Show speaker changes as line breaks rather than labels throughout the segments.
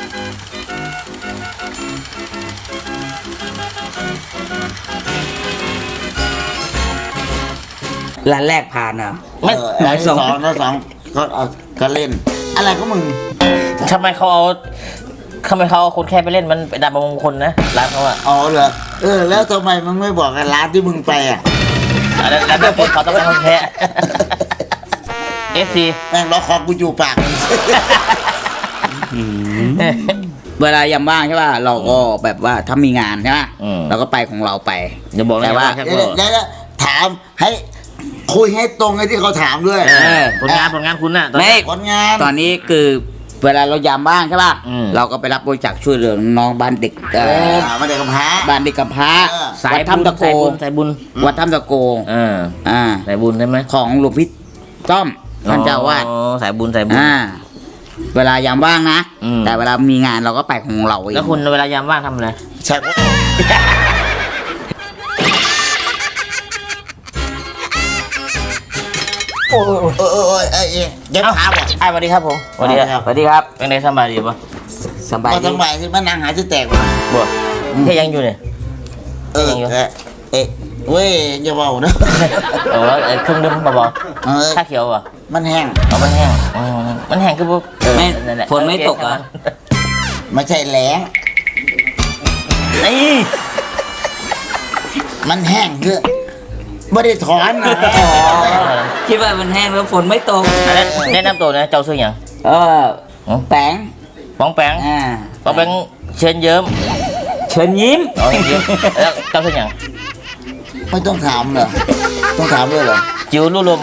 ร้านแรกผ่านอ่ะ
ร้านสองก็เล่นอะไรก็มึง
ทำไมเขาเอาคนแค่ไปเล่นมันเป็นดาบมงคลนะร้านเขาอะ
อ๋อเหรอแล้วทำไมมึงไม่บอกกันร้านที่มึงไปอ่ะ
แล้วแบบเขาต้องเป็นคนแค่FC
แม่งล็อกคอกูอยู่ปาก
เวลายามว่างใช่ป่ะเราก็แบบว่าถ้ามีงานใช่ป่ะเราก็ไปของเราไป
อย่าบอกแต่ว่า
แล้วถามให้คุยให้ตรงไอ้ที่เขาถามด้วย
ผลงานคุณน่ะ
ไม่ผลงานตอนนี้คือเวลาเรายามว่างใช่ป่ะเราก็ไปรับบริจาคช่วยเหลือน้องบ้านเด็ก
บ้านเด็กกำพร้า
บ้านเด็กกำพร้า
สาย
ถ้ำตะโก
สายบุญ
วัดถ้ำตะโก
สายบุญใช่ไหม
ของหลวงพี่ต้อมท่านเจ้าวาด
สายบุญ
เวลายามว่างนะแต่เวลามีงานเราก็ไปของเราเอง
แล้วคุณเวลายามว่างทำอะไร
ใช่โอ้เย็บขาบ่
สวัสดีครับผม
สวัสดีครับ
เป็นไงสบายดีปะ
สบาย
ที่มันนั่งหายจะแตก
บ่ที่ยังอยู่เนี่ย
เว้ยอย่าเบานะ
เครื่องดื่มเบาๆชาเขียวอ่ะ
มันแห้ง
มันแห้งคือพวก
ฝนไม่ตกอ่ะ
ไม่ใช่แหลง
นี่
มันแห้งคือไม่ได้ถอนนะ
คิดว่ามันแห้งแล้วฝนไม่ตก
แนะนำตัวนะเจ้าชื่ออย่าง
แปง
ป้องแปงเชิญเยิ้ม
เชิญยิ้ม
แล้วเจ้าชื่ออย่าง
ไม่ต้องถามเหรอต้องถามด้วยเหรอ
จิ๋วลู่ลม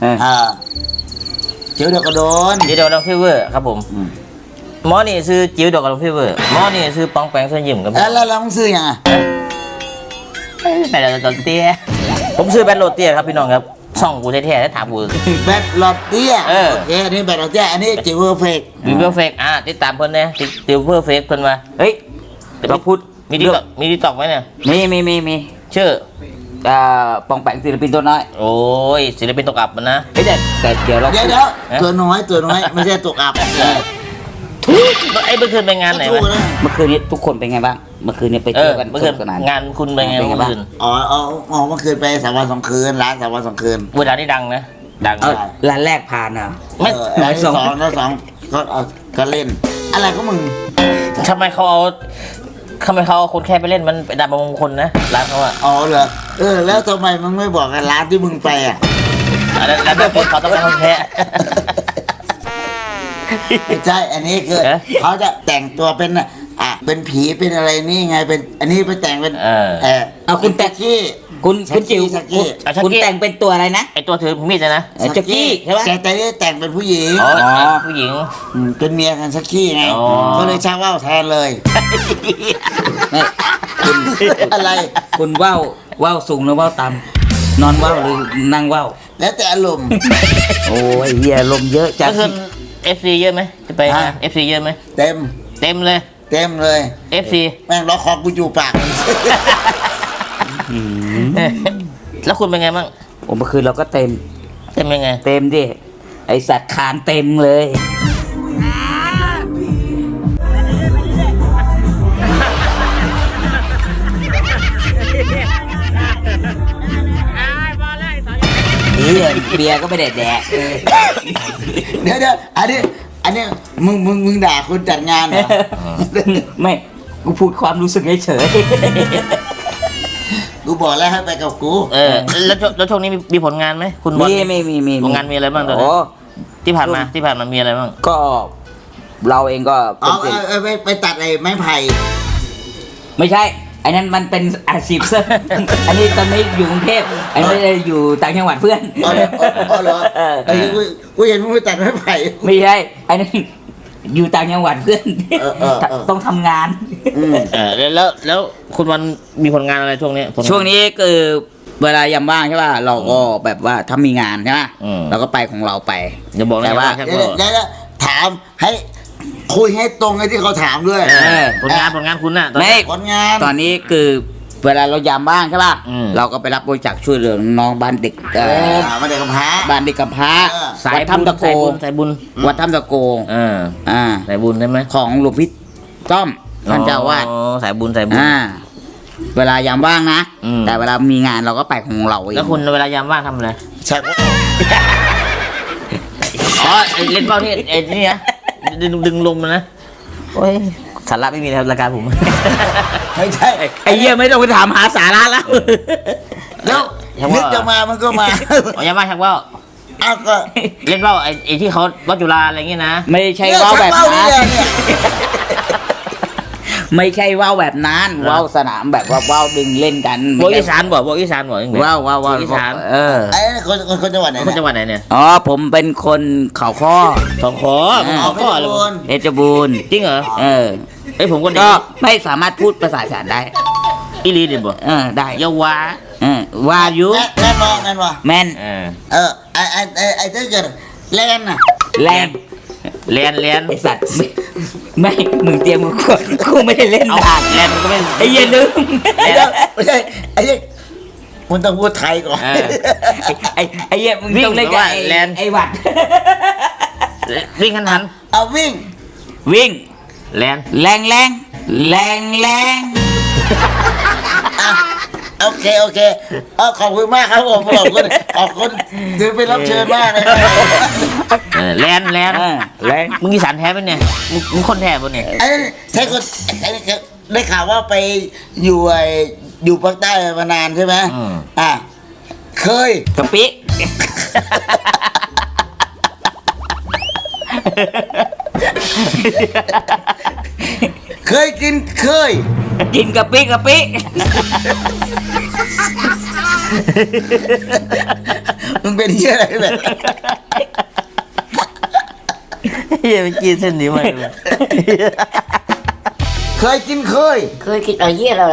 จิ๋วดอกกระโดน
จิ๋วดอกกระโดนฟีเวอร์ครับผมหมอนี่ซื้อจิ๋วดอกกระโดนฟีเวอร์หมอนี่ซื้อป้องแปงเชิญยิ้มครับ
แล้วเราซื้อยังอ่ะ
แบตโรเตี้ยผมซื้อแบตโรเตี้ยครับพี่น้องครับช่องกูแท้ๆแล้วถามกู
แบตโรเตี้ยโอเคอันนี้แบตโรเตี้ยอันนี้จิ๋วเพอร์เฟกต์
ติดตามเพิ่นนะจิ๋วเพอร์เฟกต์เพิ่นมาเฮ้ยเราพูดมีดีตอกไหมเนี่ย
มี
ชื่อ
ปองแปงศิลปินตัวน้อย
โอ้ยศิลปินตกอับมันนะ
แต่เดี๋ยว
ตัวน้อยไม่ใช่ตกอับ
ไอ้เมื่อคืนไปงานไหน
เมื่อคืนนี้ทุกคนเป็นไงบ้างเมื่อคืนนี้ไปเจอกัน
เมื่อคืนงานคุณเป็นไงเมื่อคืน
อ๋อเมื่อคืนไป3 วัน 2 คืนร้าน3 วัน 2 คืน
เวลาที่ดังนะดัง
ร้านแรกผ่านอ่ะ
ร้านสองก็เล่นอะไรก็มึง
ทำไมเขาเอาคนแค่ไปเล่นมันเป็นดาบมงคลนะร้านเขาอะ
อ๋อเหรอแล้วทำไมมึงไม่บอกกันร้านที่มึงไปอ่ะ
แล้วแบบเขาต้องเป็นคนแค่
ไม่ใช่อันนี้คือเขาจะแต่งตัวเป็นผีเป็นอะไรนี่ไงเป็นอันนี้ไปแต่งเป็น
คุณแต่งคุณจิ๋วคุณแต่งเป็นตัวอะไรนะ
ไอตัวถือมีดนะ
ชักกี้ใช่ไหม
แต่ได้แต่งเป็นผู้หญิง
ผู้หญิง
เป็นเมียกันชักกี้ไงก็เลยชักว่าวแทนเลย
คุณอะไรคุณว่าวสูงหรือว่าวต่ำนอนว่าวหรือนั่งว่าว
แล้วแต่อารมณ์
โอ้ยเฮียลมเยอะจัง
FC เยอะไหมจะไปFC เยอะไหม
เต็ม
เลย FC
แม่งล็อกคอกูอยู่ปาก
แล้วคุณเป็นไงบ้าง
เมื่อคืนเราก็เต็ม
ยังไง
เต็มดิไอสัตว์คานเต็มเลยเบียร์ก็ไม่แดกเ
ดี๋ยวอันนี้มึงด่าคนจัดงานเหรอ
ไม่กูพูดความรู้สึกเฉย
กูบอกแล้วให้ไปกับกู
แล้วช่วงนี้มีผลงานไหมคุณบอลมีผลงานมีอะไรบ้างตอนนี้ที่ผ่านมามีอะไรบ้าง
ก็เราเองก็
ไปตัดไอ้ไม้ไผ่
ไม่ใช่ไอ้นั้นมันเป็นอาชีพเสริมอันนี้ตอนนี้อยู่กรุงเทพอันนี้อยู่ต่างจังหวัดเพื่อน
เหรอกูเห็นมึงไปตัดไม้ไผ่
ไม่ใช่ไอ้นั้นอยู่ต่างจังหวัดเพื่อนต้องทำงาน
แล้วคุณวันมีผลงานอะไรช่วงนี้
คือเวลายามว่างใช่ป่ะเราก็แบบว่าถ้ามีงานใช่ป่ะเราก็ไปของเราไป
อย่าบอก
แต่
ว่า
แล้วถามให้คุยให้ตรงไอ้ที่เขาถามด้วย
ผลงานคุณน่ะ
ผลงานตอนนี้คือเวลาเรายามว่างใช่ป่ะเราก็ไปรับบริจาคช่วยเหลือน้องบ้านเด็ก
บ้านเด็กกำพร้า
วัดถ้ำตะโก
สายบุญ
วัดถ้ำตะโก
สายบุญใช่ไหม
ของหลวงพี่ซ่อมท่านเจ้าอาวาด
อ๋อสายบุญสายบุญ
เวลายามว่างนะ
อืม
แต่เวลามีงานเราก็ไปของเราเอง
แล้วคุณเวลายามว่างทำอะไร
ชัก
อ๋อไอ้เล่นเป้าที่ไอ้นี่นะดึงลมมันนะโอ้ยสาระไม่มีแล้วรายการผม
ไม่ใช่
ไอ้เหี้ยไม่ต้องไปถามหาสาระแล้ว
แล้ว
ชักว่า
นึกจะมามันก็มา
อ๋อยามว่างชักว่าว
เอาก็
เล่นเป้าไอ้ที่เขาวัดจุฬาอะไรเงี้ยนะ
ไม่ใช่
เนี่ย
ว่าว
ชัก
แบบ
เป้า
นั้
นี่
น
แหละเนี่ย
ไม่ใช่ว่าวแบบนั้นว่าวสนามแบบว่าว่าวดึงเล่นกัน
พวกอีสานบ่พวกอีสานบ่ยังไง
ว่าวว่าวว่าว
อีสาน
ไอ้คนจังหวัดไหน
คน
เนี่ย
จังหวัดไหนเนี่ย
อ๋อผมเป็นคนเขาข้อ
สองขอ
อ๋อ
ข้ออะไร
เพชรบูรณ์
เพชรบูรณ์
จริงเหรอ
เออ
ไอ้ยผมก็
ก็ไม่สามารถพูดภาษาอีสานได้
อีลีเด่นบ่
ได้
เยาวา
ว่าอยุ
แน่นอนแน่นอน
แม่น
ไอ้ถ้าเกิดแลนน่ะ
แรง
เลียน
ไอสัตว์ไม่มึงเตรียมมึงกดกูไม่ได้เล่น
เอา
นาน
เลียนมันก็ไม่
ไอ้เหี้ยลืม
ไม่ใช่ไอ้เหี้ยมันต้องพูดไทยก่อน
ไอ้เหี้ยมึงต้องเล่นกับไอ้หวัด
วิ่งทัน
เอาวิ่ง
วิ่ง
เลียน
แรงแรงแรงแรง
อ่ะโอเคขอบคุณมากครับผมขอบคุณถือเป็นรับเชิญมากเลย
เลียน
แรง
มึงอีสานแท้ปะเนี่ยมึงคนแท้ปะเนี่ย
ไอ้ใช่คนได้ข่าวว่าไปอยู่ภาคใต้มานานใช่ไหมเคย
กะปิ
เคยกิน
กินกะปิกะปิ
มึงเป็นเหี้ยอะไรแบบ
เฮียไปกินเส้นนี้มาเลย
เคยกิน
เคยคิดอะไรเยี่ยแล้วเหรอ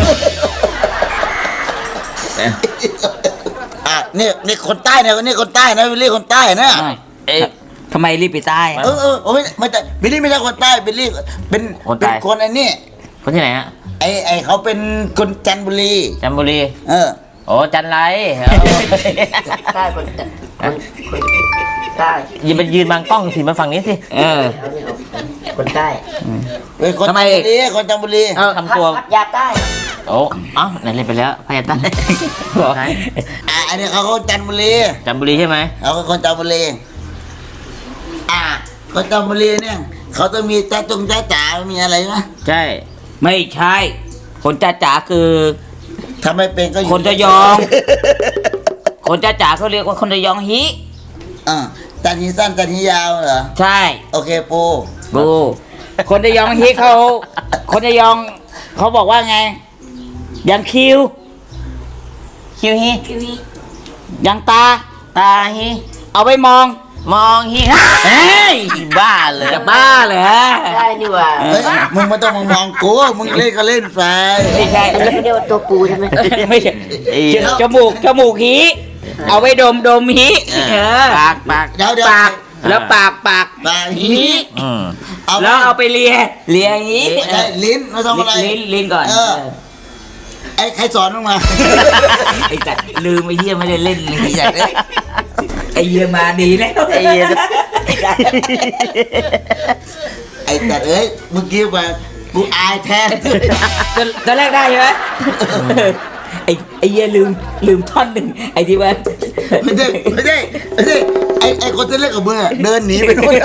นี่คนใต้นะนี่คนใต้นะวิลลี่คนใต้นะ
ทำไมรีบไปใต้
ไม่แต่บิลลี่ไม่ใช่คนใต้บิลลี่เป็นคนไอ้นี่
คนที่ไหนฮะ
ไอ้เขาเป็นคนจันทบุรี
จันทบุรี โอ้จันไร
ใต้คนใต้
อย่าไปยืนบางกล้องสิมาฝั่งนี้สิ
คนใต้
เป็นคนจันทบุรีคนจันทบุรี
ทำตัว
พัทยาใต้
โอ้เอ้าไหนเล่นไปแล้วพยาตันไหน
อันนี้เขาจันทบุรี
จันทบุรีใช่ไหม
เขาเป็นคนจันทบุรีคนจันทบุรีเนี่ยเขาต้องมีจ้าจ๋ามีอะไรไหม
ใช่
ไม่ใช่ คนจ้าจ๋าคือ
ทำไมเป็นก็อยู่
คนระยอง คนจ้าจ๋าเขาเรียกว่าคนระยองฮิ
จันทีสั้นจันทียาวเหรอ
ใช่
โอเคปู
ดูคนระยองฮิเขาคนระยองเขาบอกว่าไงยังคิว
คิวฮี
ยังตา
ตาฮี
เอาไปมอง
มองฮี
เฮ้ย
บ้าเลย
จะบ้าเลยฮะ
ได้นี่หว่า
เฮ้ยมึงไม่ต้องมองกูมึงเล่นก็เล่นไป
ไม่ใช่
อันนี้เขาเรียกว่าตัวปูใช่ไหม
ไม่ใช่จมูกฮีเอาไปดมฮี
ปาก
เดี๋ยว
ปากแล้วปาก
ปากฮี
แล้วเอาไปเลียฮี
ไม่ได้ลิ้นไม่ต้องอะไร
ลิ้นก่อน
ไอ้ใครสอนมึงมา
ไอ้จัดลืมไอ้เหี้ยไม่ได้เล่นเลยไอ้จัดไอ้เหี้ยมาดีแล้ว
ไอ้เหี้ย
ไอ้แต่เอ้ยเมื่อกี้มากูอายแทน
ตอนแรกได้ใช่ไหมไอ้เหี้ยลืมท่อนหนึ่งไอ้ที่ว่า
ไม่ใช่ไอ้คนที่เล่นกับมึงอะเดินหนีไปนู่น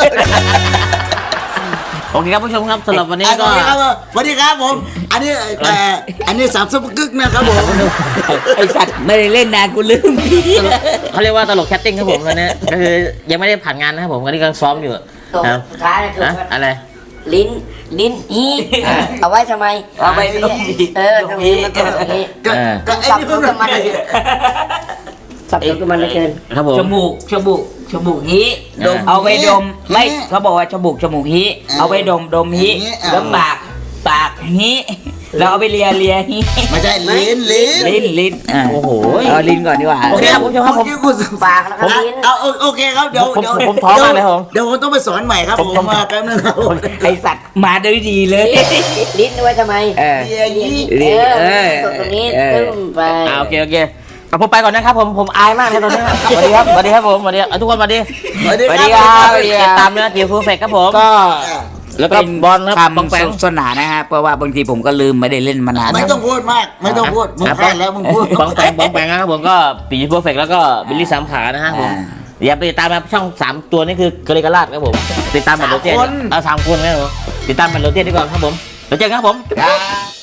โอเคครับผู้ชมครับสำหรับวันนี้ก็
สวัสดีครับผมอันนี้สามซุปกึกนะครับผม
ไอ้สัตว์ไม่ได้เล่นนานกูลืม
เขาเรียกว่าตลกแคสติ้งครับผมตอนนี้ก็คือยังไม่ได้ผ่านงานนะครับผมตอนนี้กำลังซ้อมอยู่
ตัว
ครับ
สุดท้ายคือ
อะไร
ลิ้นอีเอาไว้ทำไม
เอาไปดม
ตรงนี้มันต้องตรงนี้
ก็ไอ้
สับ
นี่
ส
เพิ่
น
ง
กับมันสับสนกับมันเหลือเกิน
ครับผม
จมูกฮีเอาไปดมไม่เขาบอกว่าจมูกฮีเอาไปดมฮีแล้วปากฮีแล้วเอาไปเลียฮี
ไม่ใช่ลิ้น
ลิ้น
โอ้โห
เอาลิ้นก่อนดีกว่า
โอเคครับผู้ชมครับผม
ปากแล้วก็ลิ้น
เอาโอเคครับเดี๋ยว
ผมท้อมากเลยครับผม
เดี๋ยวผมต้องไปสอนใหม่ครับผมมาแป๊บนึงครับ
ไอสัตว์มาได้ดีเลย
ลิ้นเอาไว้ทำไม
เออ
เฮียยี่
ตรงนี้ตึ้งไป
โอเคเอาผมไปก่อนนะครับผมอายมากเลยตอนนี้สวัสดีครับสวัสดีครับผมสวัสดีทุกคนสวัสดี
สวัสดี
สวัสดี
ค
ค
รั
รั
บบ
ติดตามเนื้อเกี่ยวกับเฟกครับผม
ก็
แล้วก็บอลครับปองแปง
คำสนานนะฮะเพราะว่าบางทีผมก็ลืมไม่ได้เล่นมานาน
ไม่ต้องพูดมากไม่ต้องพูดมึงพลาดแล้วมึงพูด
ปองแปงนะครับผมก็ปีเพอร์เฟกแล้วก็บิลลี่สามขานะฮะผมอย่าไปติดตามมาช่อง3ตัวนี่คือกริกาลาดครับผมติดตามแบบโรเตียน3 คนครับผมติดตามแบบโรเตียนดีกว่าครับผมเดี๋ยวเจอกันครับผม
ครับ